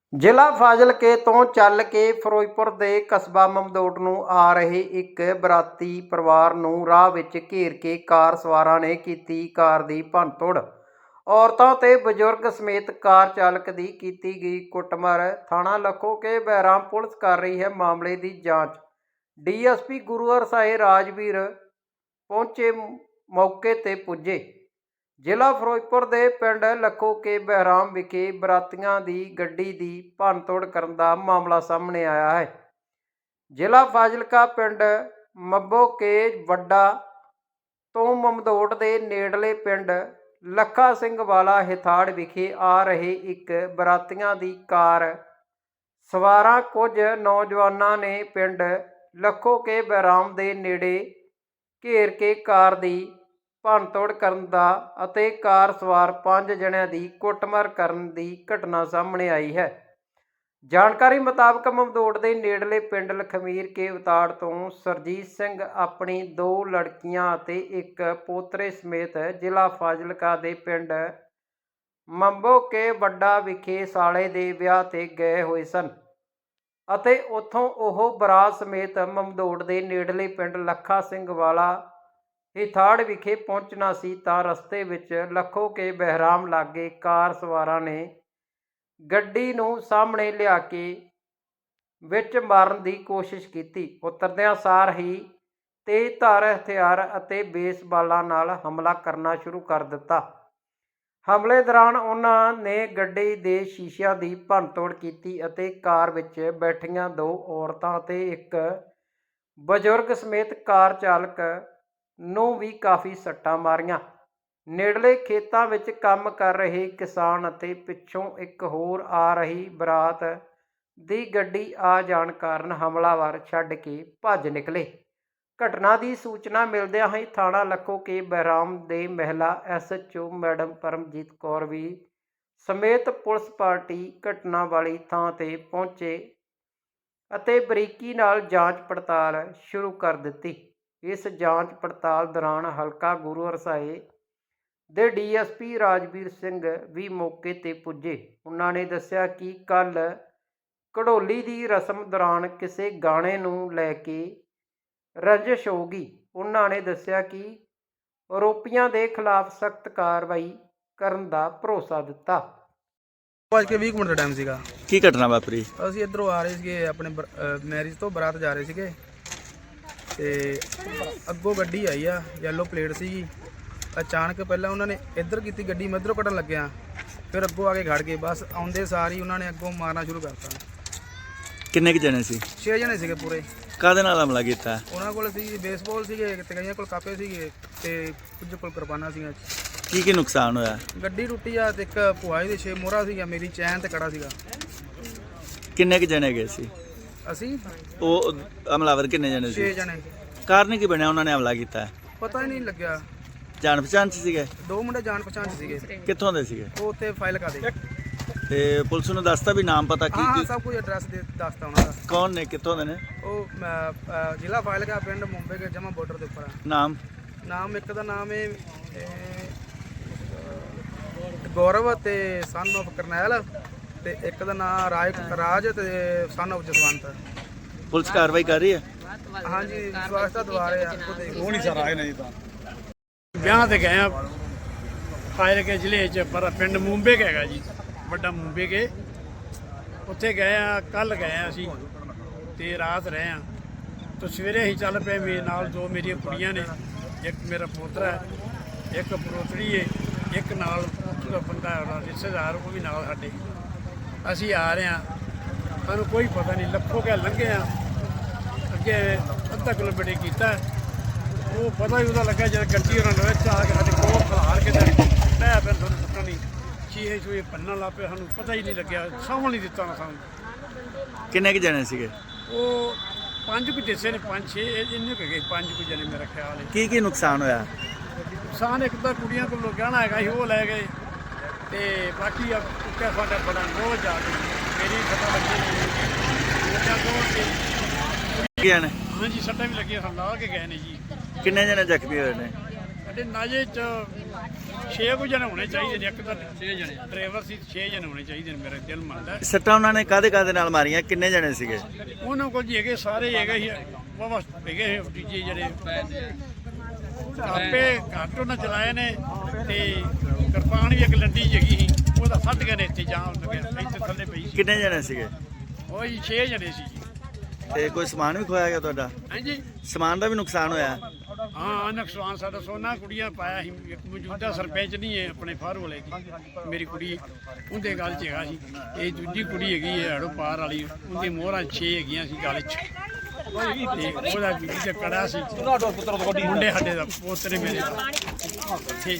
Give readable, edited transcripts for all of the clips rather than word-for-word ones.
ਜ਼ਿਲ੍ਹਾ ਫਾਜ਼ਿਲਕੇ ਤੋਂ ਚੱਲ ਕੇ ਫਿਰੋਜ਼ਪੁਰ ਦੇ ਕਸਬਾ ਮਮਦੋਟ ਨੂੰ ਆ ਰਹੇ ਇੱਕ ਬਰਾਤੀ ਪਰਿਵਾਰ ਨੂੰ ਰਾਹ ਵਿੱਚ ਘੇਰ ਕੇ ਕਾਰ ਸਵਾਰਾਂ ਨੇ ਕੀਤੀ ਕਾਰ ਦੀ ਭੰਨਤੋੜ। ਔਰਤਾਂ ਤੇ ਬਜ਼ੁਰਗ ਸਮੇਤ ਕਾਰ ਚਾਲਕ ਦੀ ਕੀਤੀ ਗਈ ਕੁੱਟਮਾਰ। ਥਾਣਾ ਲੱਖੋਕੇ ਬਹਿਰਾਮ ਪੁਲਿਸ ਕਰ ਰਹੀ ਹੈ ਮਾਮਲੇ ਦੀ ਜਾਂਚ। ਡੀਐਸਪੀ ਗੁਰੂ ਹਰਸਾਏ ਰਾਜਵੀਰ ਪਹੁੰਚੇ, ਮੌਕੇ ਤੇ ਪੁੱਜੇ। ਜ਼ਿਲ੍ਹਾ ਫਿਰੋਜ਼ਪੁਰ ਦੇ ਪਿੰਡ ਲੱਖੋਕੇ ਬਹਿਰਾਮ ਵਿਖੇ ਬਰਾਤੀਆਂ ਦੀ ਗੱਡੀ ਦੀ ਭੰਨਤੋੜ ਕਰਨ ਦਾ ਮਾਮਲਾ ਸਾਹਮਣੇ ਆਇਆ ਹੈ। ਜ਼ਿਲ੍ਹਾ ਫਾਜ਼ਿਲਕਾ ਪਿੰਡ ਮੱਬੋਕੇ ਵੱਡਾ ਤੋਂ ਮਮਦੋਟ ਦੇ ਨੇੜਲੇ ਪਿੰਡ ਲੱਖਾ ਸਿੰਘ ਵਾਲਾ ਹਿਥਾੜ ਵਿਖੇ ਆ ਰਹੇ ਇੱਕ ਬਰਾਤੀਆਂ ਦੀ ਕਾਰ ਸਵਾਰਾਂ ਕੁਝ ਨੌਜਵਾਨਾਂ ਨੇ ਪਿੰਡ ਲੱਖੋਕੇ ਬਹਿਰਾਮ ਦੇ ਨੇੜੇ ਘੇਰ ਕੇ ਕਾਰ ਦੀ ਭੰਨਤੋੜ ਕਰਨ ਦਾ ਅਤੇ ਕਾਰ ਸਵਾਰ 5 ਜਣਿਆਂ ਦੀ ਕੁੱਟਮਾਰ ਕਰਨ ਦੀ ਘਟਨਾ ਸਾਹਮਣੇ ਆਈ ਹੈ। ਜਾਣਕਾਰੀ ਮੁਤਾਬਕ ਮਮਦੋਟ ਦੇ ਨੇੜਲੇ ਪਿੰਡ ਲਖਮੀਰ ਕੇ ਉਤਾੜ ਤੋਂ ਸਰਜੀਤ ਸਿੰਘ ਆਪਣੀ 2 ਲੜਕੀਆਂ ਅਤੇ ਇੱਕ ਪੋਤਰੇ ਸਮੇਤ ਜ਼ਿਲ੍ਹਾ ਫਾਜ਼ਿਲਕਾ ਦੇ ਪਿੰਡ ਮੱਬੋਕੇ ਵੱਡਾ ਵਿਖੇ ਸਾਲੇ ਦੇ ਵਿਆਹ ਤੇ ਗਏ ਹੋਏ ਸਨ ਅਤੇ ਉੱਥੋਂ ਉਹ ਬਰਾਤ ਸਮੇਤ ਮਮਦੋਟ ਦੇ ਨੇੜਲੇ ਪਿੰਡ ਲੱਖਾ ਸਿੰਘ ਵਾਲਾ ਹਿਥਾੜ ਵਿਖੇ ਪਹੁੰਚਣਾ ਸੀ ਤਾਂ ਰਸਤੇ ਵਿੱਚ ਲੱਖੋਕੇ ਬਹਿਰਾਮ ਲਾਗੇ ਕਾਰ ਸਵਾਰਾਂ ਨੇ ਗੱਡੀ ਨੂੰ ਸਾਹਮਣੇ ਲਿਆ ਕੇ ਵਿੱਚ ਮਾਰਨ ਦੀ ਕੋਸ਼ਿਸ਼ ਕੀਤੀ। ਉਤਰਦਿਆਂ ਸਾਰ ਹੀ ਤੇਜ਼ਧਾਰ ਹਥਿਆਰ ਅਤੇ ਬੇਸਬਾਲਾਂ ਨਾਲ ਹਮਲਾ ਕਰਨਾ ਸ਼ੁਰੂ ਕਰ ਦਿੱਤਾ। ਹਮਲੇ ਦੌਰਾਨ ਉਹਨਾਂ ਨੇ ਗੱਡੀ ਦੇ ਸ਼ੀਸ਼ਿਆਂ ਦੀ ਭੰਨਤੋੜ ਕੀਤੀ ਅਤੇ ਕਾਰ ਵਿੱਚ ਬੈਠੀਆਂ 2 ਔਰਤਾਂ ਅਤੇ ਇੱਕ ਬਜ਼ੁਰਗ ਸਮੇਤ ਕਾਰ ਚਾਲਕ ਨੂੰ ਵੀ ਕਾਫੀ ਸੱਟਾਂ ਮਾਰੀਆਂ। ਨੇੜਲੇ ਖੇਤਾਂ ਵਿੱਚ ਕੰਮ ਕਰ ਰਹੇ ਕਿਸਾਨ ਅਤੇ ਪਿੱਛੋਂ ਇੱਕ ਹੋਰ ਆ ਰਹੀ ਬਰਾਤ ਦੀ ਗੱਡੀ ਆ ਜਾਣ ਕਾਰਨ ਹਮਲਾਵਰ ਛੱਡ ਕੇ ਭੱਜ ਨਿਕਲੇ। ਘਟਨਾ ਦੀ ਸੂਚਨਾ ਮਿਲਦਿਆਂ ਹੀ ਥਾਣਾ ਲੱਖੋਕੇ ਬਹਿਰਾਮ ਦੇ ਮਹਿਲਾ SHO ਮੈਡਮ ਪਰਮਜੀਤ ਕੌਰ ਵੀ ਸਮੇਤ ਪੁਲਿਸ ਪਾਰਟੀ ਘਟਨਾ ਵਾਲੀ ਥਾਂ ਤੇ ਪਹੁੰਚੇ ਅਤੇ ਬਰੀਕੀ ਨਾਲ ਜਾਂਚ ਪੜਤਾਲ ਸ਼ੁਰੂ ਕਰ ਦਿੱਤੀ। ਇਸ ਜਾਂਚ ਪੜਤਾਲ ਦੌਰਾਨ ਹਲਕਾ ਗੁਰੂ ਹਰਸਾਏ ਦੇ DSP ਰਾਜਵੀਰ ਸਿੰਘ ਵੀ ਮੌਕੇ ਤੇ ਪੁੱਜੇ। ਉਹਨਾਂ ਨੇ ਦੱਸਿਆ ਕਿ ਕੱਲ੍ਹ ਘੜੋਲੀ ਦੀ ਰਸਮ ਦੌਰਾਨ ਕਿਸੇ ਗਾਣੇ ਨੂੰ ਲੈ ਕੇ ਰੰਜਿਸ਼ ਹੋਊਗੀ। ਉਹਨਾਂ ਨੇ ਦੱਸਿਆ ਕਿ ਆਰੋਪੀਆਂ ਦੇ ਖਿਲਾਫ ਸਖਤ ਕਾਰਵਾਈ ਕਰਨ ਦਾ ਭਰੋਸਾ ਦਿੱਤਾ। ਅੱਜ ਕੇ 20 ਮਿੰਟ ਦਾ ਟਾਈਮ ਸੀਗਾ। ਕੀ ਘਟਨਾ ਵਾਪਰੀ? ਅਸੀਂ ਇੱਧਰੋਂ ਆ ਰਹੇ ਸੀਗੇ ਆਪਣੇ ਮੈਰਿਜ ਤੋਂ ਬਰਾਤ ਜਾ ਰਹੇ ਸੀਗੇ ਤੇ ਅੱਗੋਂ ਗੱਡੀ ਆਈ ਆ, ਯੈਲੋ ਪਲੇਟ ਸੀਗੀ। ਅਚਾਨਕ ਪਹਿਲਾਂ ਉਹਨਾਂ ਨੇ ਇੱਧਰ ਕੀਤੀ ਗੱਡੀ, ਮੈਂ ਇੱਧਰੋਂ ਕੱਢਣ ਲੱਗਿਆ, ਫਿਰ ਅੱਗੋਂ ਆ ਕੇ ਖੜ ਗਏ। ਬਸ ਆਉਂਦੇ ਸਾਰ ਹੀ ਉਹਨਾਂ ਨੇ ਅੱਗੋਂ ਮਾਰਨਾ ਸ਼ੁਰੂ ਕਰਤਾ। ਕਿੰਨੇ ਕੁ ਜਣੇ ਸੀ? 6 ਜਣੇ ਸੀਗੇ ਪੂਰੇ। ਕਾਹਦੇ ਨਾਲ ਹਮਲਾ ਕੀਤਾ? ਉਹਨਾਂ ਕੋਲ ਸੀ ਬੇਸਬਾਲ ਸੀਗੇ ਤੇ ਕਈਆਂ ਕੋਲ ਕਾਪੇ ਸੀਗੇ ਤੇ ਕੁਝ ਕੋਲ ਕੁਰਬਾਨਾ ਸੀਗਾ। ਕੀ ਨੁਕਸਾਨ ਹੋਇਆ? ਗੱਡੀ ਟੁੱਟੀ ਆ ਤੇ ਇੱਕ ਭੁਆਈ ਦੇ 6 ਮੋਹਰਾ ਸੀਗਾ, ਮੇਰੀ ਚੈਨ ਤੇ ਕੜਾ ਸੀਗਾ। ਕਿੰਨੇ ਕੁ ਜਣੇ ਗਏ ਸੀ? ਅਸੀਂ ਉਹ ਹਮਲਾਵਰ ਕਿੰਨੇ ਜਣੇ ਸੀ? 6 ਜਣੇ। ਕਾਰਨ ਕੀ ਬਣਿਆ ਉਹਨਾਂ ਨੇ ਹਮਲਾ ਕੀਤਾ? ਪਤਾ ਹੀ ਨਹੀਂ ਲੱਗਿਆ। ਜਾਣ ਪਛਾਣ 'ਚ ਸੀਗੇ? 2 ਮੁੰਡੇ ਜਾਣ ਪਛਾਣ 'ਚ ਸੀਗੇ। ਕਿੱਥੋਂ ਦੇ ਸੀਗੇ? ਉਹ ਉੱਥੇ ਫਾਈਲ ਕਾ ਦੇ। ਤੇ ਪੁਲਿਸ ਨੂੰ ਦੱਸਤਾ ਵੀ ਨਾਮ ਪਤਾ ਕੀ? ਹਾਂ, ਸਭ ਕੁਝ ਐਡਰੈਸ ਦੱਸਤਾ ਉਹਨਾਂ ਦਾ। ਕੌਣ ਨੇ, ਕਿੱਥੋਂ ਦੇ ਨੇ? ਉਹ ਜ਼ਿਲ੍ਹਾ ਫਾਜ਼ਿਲਕਾ ਪਿੰਡ ਮੁੰਬਈ ਕੇ ਜਮਾ ਬਾਰਡਰ ਦੇ ਉੱਪਰ ਆ। ਨਾਮ ਇੱਕ ਦਾ ਨਾਮ ਹੈ ਗੌਰਵ ਤੇ ਸਨ ਆਫ ਕਰਨੈਲ ਤੇ ਇੱਕ ਦਾ ਨਾਮ ਰਾਜ ਤੇ ਸਨ ਆਫ ਜਸਵੰਤ। ਪੁਲਿਸ ਕਾਰਵਾਈ ਕਰ ਰਹੀ ਹੈ? ਹਾਂਜੀ, ਸਵਾਸਤਾ ਦੁਆਰੇ ਆ। ਉਹ ਨਹੀਂ ਸਰ ਆਏ ਨਹੀਂ ਤਾਂ ਵਿਆਹ ਤੇ ਗਏ ਆ ਫਾਜ਼ਿਲਕੇ ਜ਼ਿਲ੍ਹੇ 'ਚ, ਪਰ ਪਿੰਡ ਮੁੰਬੇ ਹੈਗਾ ਜੀ, ਵੱਡਾ ਮੁੰਬੇ ਕੇ। ਉੱਥੇ ਗਏ ਆ, ਕੱਲ੍ਹ ਗਏ ਆ ਅਸੀਂ ਤੇ ਰਾਤ ਰਹੇ ਆ ਤੇ ਸਵੇਰੇ ਅਸੀਂ ਚੱਲ ਪਏ। ਮੇਰੇ ਨਾਲ 2 ਮੇਰੀਆਂ ਕੁੜੀਆਂ ਨੇ, ਇੱਕ ਮੇਰਾ ਪੋਤਰਾ ਹੈ, ਇੱਕ ਪੋਤਰੀ ਹੈ, ਇੱਕ ਨਾਲ ਉਹਦਾ ਬੰਦਾ ਰਿਸ਼ਤੇਦਾਰ, ਉਹ ਵੀ ਨਾਲ ਸਾਡੇ। ਅਸੀਂ ਆ ਰਹੇ ਹਾਂ, ਸਾਨੂੰ ਕੋਈ ਪਤਾ ਨਹੀਂ। ਲੱਖੋਕੇ ਲੰਘੇ ਆ, ਅੱਗੇ ਅੱਧਾ ਕਿਲੋਮੀਟਰ ਕੀਤਾ, ਉਹ ਪਤਾ ਹੀ ਉਹਦਾ ਲੱਗਾ ਜਦ ਗੱਡੀ ਉਹਨਾਂ ਨੇ ਵਿੱਚ ਆ ਕੇ ਸਾਡੇ ਕੋਲ ਖਲਾਰ ਕੇ ਲੈ ਫਿਰ ਸਾਨੂੰ ਪਤਾ ਨਹੀਂ ਚੀਹੇ ਚੂਹੇ ਭੰਨਣ ਲੱਗ ਪਏ। ਸਾਨੂੰ ਪਤਾ ਹੀ ਨਹੀਂ ਲੱਗਿਆ, ਸਾਂਭਣ ਨਹੀਂ ਦਿੱਤਾ ਨਾ ਸਾਨੂੰ। ਕਿੰਨੇ ਕੁ ਜਣੇ ਸੀਗੇ? ਉਹ 5 ਕੁ ਦੱਸੇ ਨੇ, 5-6 ਇੰਨੇ ਕੁ ਗਏ, 5 ਕੁ ਜਣੇ ਮੇਰਾ ਖਿਆਲ ਹੈ। ਕੀ ਨੁਕਸਾਨ ਹੋਇਆ? ਨੁਕਸਾਨ ਇੱਕ ਤਾਂ ਕੁੜੀਆਂ ਕੋਲੋਂ ਗਹਿਣਾ ਹੈਗਾ ਸੀ, ਉਹ ਲੈ ਗਏ ਤੇ ਬਾਕੀ ਕੁੱਕਾ ਸਾਡਾ ਬੜਾ ਰੋਜ਼ ਜਾ ਕੇ ਮੇਰੀ ਪਤਾ ਲੱਗੀ ਨੇ। ਹਾਂਜੀ, ਸੱਟਾਂ ਵੀ ਲੱਗੀਆਂ, ਸਾਨੂੰ ਲਾ ਕੇ ਗਏ ਨੇ ਜੀ। ਕਿੰਨੇ ਜਣੇ ਜ਼ਖਮੀ ਹੋਏ ਨੇ? ਸਾਡੇ ਨਾਜੇ 'ਚ 6 ਕੁ ਜਣੇ ਹੋਣੇ ਚਾਹੀਦੇ ਨੇ। ਇੱਕ ਤਾਂ 6 ਜਣੇ ਡਰਾਈਵਰ ਸੀ, 6 ਜਣੇ ਹੋਣੇ ਚਾਹੀਦੇ ਨੇ, ਮੇਰਾ ਦਿਲ ਮੰਨਦਾ। ਸੱਟਾਂ ਉਹਨਾਂ ਨੇ ਕਾਹਦੇ ਨਾਲ ਮਾਰੀਆਂ? ਕਿੰਨੇ ਜਣੇ ਸੀਗੇ? ਉਹਨਾਂ ਕੋਲ ਜੀ ਹੈਗੇ ਸਾਰੇ ਹੈਗੇ ਸੀ, ਵਾਵਾ ਹੈਗੇ ਦੂਜੇ ਜਿਹੜੇ ਆਪੇ ਘੱਟ ਉਹਨਾਂ ਚਲਾਏ ਨੇ, ਤੇ ਕਿਰਪਾਨ ਵੀ ਇੱਕ ਲੰਡੀ ਹੈਗੀ ਸੀ, ਉਹਦਾ ਫੱਟ ਗਏ ਨੇ ਇੱਥੇ ਜਾਮ ਲੱਗਿਆ, ਇੱਥੇ ਥੱਲੇ ਪਈ ਸੀ। ਕਿੰਨੇ ਜਣੇ ਸੀਗੇ? ਉਹ ਜੀ 6 ਜਣੇ ਸੀ ਜੀ। ਤੇ ਕੋਈ ਸਮਾਨ ਵੀ ਖੋਇਆ ਗਿਆ ਤੁਹਾਡਾ? ਹਾਂਜੀ ਸਮਾਨ ਦਾ ਵੀ ਨੁਕਸਾਨ ਹੋਇਆ? ਹਾਂ, ਨੁਕਸਾਨ ਸਾਡਾ ਸੋਨਾ ਕੁੜੀਆਂ ਪਾਇਆ ਸੀ। ਇੱਕ ਮੌਜੂਦਾ ਸਰਪੰਚ ਨਹੀਂ ਹੈ ਆਪਣੇ ਫਾਰੂ ਵਾਲੇ ਦੀ, ਮੇਰੀ ਕੁੜੀ ਉਹਦੇ ਗੱਲ 'ਚ ਹੈਗਾ ਸੀ। ਇਹ ਦੂਜੀ ਕੁੜੀ ਹੈਗੀ ਹੈ ਹੜੋ ਪਾਰ ਵਾਲੀ, ਉਹਦੀ ਮੋਹਰਾਂ 6 ਹੈਗੀਆਂ ਸੀ ਗੱਲ 'ਚ, ਤੇ ਉਹਦਾ ਵੀ ਤੇ ਕੜਾ ਸੀ ਮੁੰਡੇ ਸਾਡੇ ਦਾ ਪੋਤਰੇ ਮੇਰੇ ਦਾ। ਠੀਕ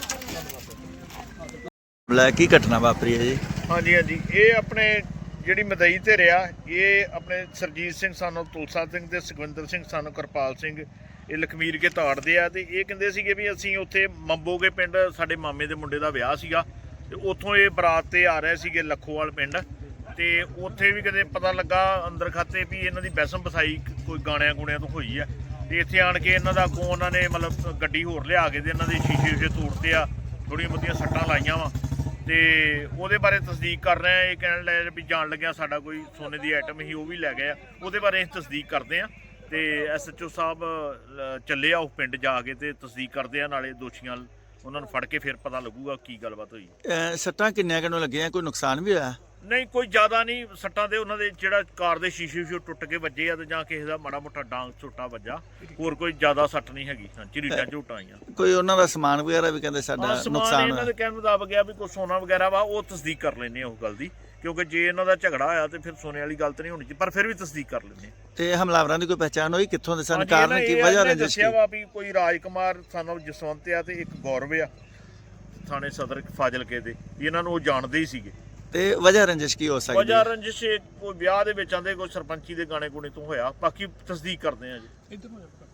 ਲੈ, ਕੀ ਘਟਨਾ ਵਾਪਰੀ ਹੈ ਜੀ? ਹਾਂਜੀ ਹਾਂਜੀ, ਇਹ ਆਪਣੇ ਜਿਹੜੀ ਮਦਈ ਤੇ ਰਿਹਾ, ਇਹ ਆਪਣੇ ਸਰਜੀਤ ਸਿੰਘ ਸਾਨੂੰ ਤੁਲਸਾ ਸਿੰਘ ਤੇ ਸੁਖਵਿੰਦਰ ਸਿੰਘ ਸਾਨੂੰ ਕਿਰਪਾਲ ਸਿੰਘ, ਇਹ ਲਖਮੀਰ ਕੇ ਤਾੜਦੇ ਆ। ਤੇ ਇਹ ਕਹਿੰਦੇ ਸੀਗੇ ਵੀ ਅਸੀਂ ਉੱਥੇ ਮੰਬੋਗੇ ਪਿੰਡ ਸਾਡੇ ਮਾਮੇ ਦੇ ਮੁੰਡੇ ਦਾ ਵਿਆਹ ਸੀਗਾ, ਤੇ ਉੱਥੋਂ ਇਹ ਬਰਾਤ ਤੇ ਆ ਰਹੇ ਸੀਗੇ ਲੱਖੋਵਾਲ ਪਿੰਡ। ਤੇ ਉੱਥੇ ਵੀ ਕਦੇ ਪਤਾ ਲੱਗਾ ਅੰਦਰ ਖਾਤੇ ਵੀ ਇਹਨਾਂ ਦੀ ਬੈਸਮ ਬਸਾਈ ਕੋਈ ਗਾਣਿਆਂ ਗੁਣਿਆਂ ਤੋਂ ਹੋਈ ਆ। ਤੇ ਇੱਥੇ ਆਣ ਕੇ ਇਹਨਾਂ ਦਾ ਅੱਗੋਂ ਉਹਨਾਂ ਨੇ ਮਤਲਬ ਗੱਡੀ ਹੋਰ ਲਿਆ ਕੇ ਤੇ ਇਹਨਾਂ ਦੇ ਸ਼ੀਸ਼ੇ ਤੋੜਤੇ ਆ, ਥੋੜ੍ਹੀਆਂ ਬਹੁਤੀਆਂ ਸੱਟਾਂ ਲਾਈਆਂ ਵਾ। ਤੇ ਉਹਦੇ ਬਾਰੇ ਤਸਦੀਕ ਕਰ ਰਹੇ ਆ। ਇਹ ਕਹਿਣ ਲੱਗੇ ਵੀ ਜਾਣ ਲੱਗਿਆ ਸਾਡਾ ਕੋਈ ਸੋਨੇ ਦੀ ਆਈਟਮ ਹੀ ਉਹ ਵੀ ਲੈ ਗਏ ਆ, ਉਹਦੇ ਬਾਰੇ ਅਸੀਂ ਤਸਦੀਕ ਕਰਦੇ ਆ। ਤੇ SHO ਸਾਹਿਬ ਚੱਲੇ ਆ ਉਹ ਪਿੰਡ ਜਾ ਕੇ ਤੇ ਤਸਦੀਕ ਕਰਦੇ ਆ, ਨਾਲੇ ਦੋਸ਼ੀਆਂ ਉਹਨਾਂ ਨੂੰ ਫੜ ਕੇ ਫਿਰ ਪਤਾ ਲੱਗੂਗਾ ਕੀ ਗੱਲਬਾਤ ਹੋਈ। ਸੱਟਾਂ ਕਿੰਨੀਆਂ ਕਿਨੂੰ ਲੱਗੀਆਂ? ਕੋਈ ਨੁਕਸਾਨ ਵੀ ਹੋਇਆ? ਨਹੀਂ, ਕੋਈ ਜ਼ਿਆਦਾ ਨਹੀਂ ਸੱਟਾਂ ਦੇ। ਉਹਨਾਂ ਦੇ ਜਿਹੜਾ ਕਾਰ ਦੇ ਸ਼ੀਸ਼ੇ ਟੁੱਟ ਕੇ ਵੱਜੇ ਆ, ਤੇ ਜਾਂ ਕਿਸੇ ਦਾ ਮਾੜਾ ਮੋਟਾ ਡਾਂਗ ਝੋਟਾ ਵੱਜਾ, ਹੋਰ ਕੋਈ ਜ਼ਿਆਦਾ ਸੱਟ ਨਹੀਂ ਹੈਗੀ। ਹਾਂ, ਝਰੀਟਾਂ ਝੋਟਾਂ ਆਈਆਂ। ਕੋਈ ਉਹਨਾਂ ਦਾ ਸਮਾਨ ਵਗੈਰਾ ਵੀ ਕਹਿੰਦੇ ਸਾਡਾ ਸਮਾਨ ਨੁਕਸਾਨ ਇਹਨਾਂ ਦੇ ਕਹਿਣ ਮੁਤਾਬਕ ਆ ਵੀ ਕੋਈ ਸੋਨਾ ਵਗੈਰਾ ਵਾ, ਉਹ ਤਸਦੀਕ ਕਰ ਲੈਂਦੇ ਆ ਉਸ ਗੱਲ ਦੀ, ਕਿਉਂਕਿ ਜੇ ਇਹਨਾਂ ਦਾ ਝਗੜਾ ਹੋਇਆ ਤੇ ਫਿਰ ਸੋਨੇ ਵਾਲੀ ਗੱਲ ਤਾਂ ਨਹੀਂ ਹੋਣੀ ਚਾਹੀਦੀ, ਪਰ ਫਿਰ ਵੀ ਤਸਦੀਕ ਕਰ ਲੈਂਦੇ ਆ। ਤੇ ਹਮਲਾਵਰਾਂ ਦੀ ਕੋਈ ਪਹਿਚਾਣ ਹੋਈ? ਕਿੱਥੋਂ ਦੇ ਸਨ? ਹਾਂਜੀ, ਕਾਰਨ ਕੀ, ਵਜ੍ਹਾ ਇਹਨਾਂ ਨੇ ਰੰਜਿਸ਼ ਦੱਸਿਆ ਕੀ? ਵਾ ਵੀ ਕੋਈ ਰਾਜਕੁਮਾਰ ਸਾਨੂੰ ਜਸਵੰਤ ਆ ਤੇ ਇੱਕ ਗੌਰਵ ਆ, ਥਾਣੇ ਸਦਰ ਫਾਜ਼ਿਲਕੇ ਦੇ, ਵੀ ਇਹਨਾਂ ਨੂੰ ਉਹ ਜਾਣਦੇ ਹੀ ਸੀਗੇ। ਤੇ ਵਜ੍ਹਾ ਰੰਜਿਸ਼ ਕੀ ਹੋ ਸਕਦੀ ਵਜ੍ਹਾ ਹੈ? ਰੰਜਿਸ਼ ਕੋਈ ਵਿਆਹ ਦੇ ਵਿੱਚ ਆਂਦੇ ਕੋਈ ਸਰਪੰਚੀ ਦੇ ਗਾਣੇ ਗੁਣੇ ਤੋਂ ਹੋਇਆ, ਬਾਕੀ ਤਸਦੀਕ ਕਰਦੇ ਆ ਜੀ।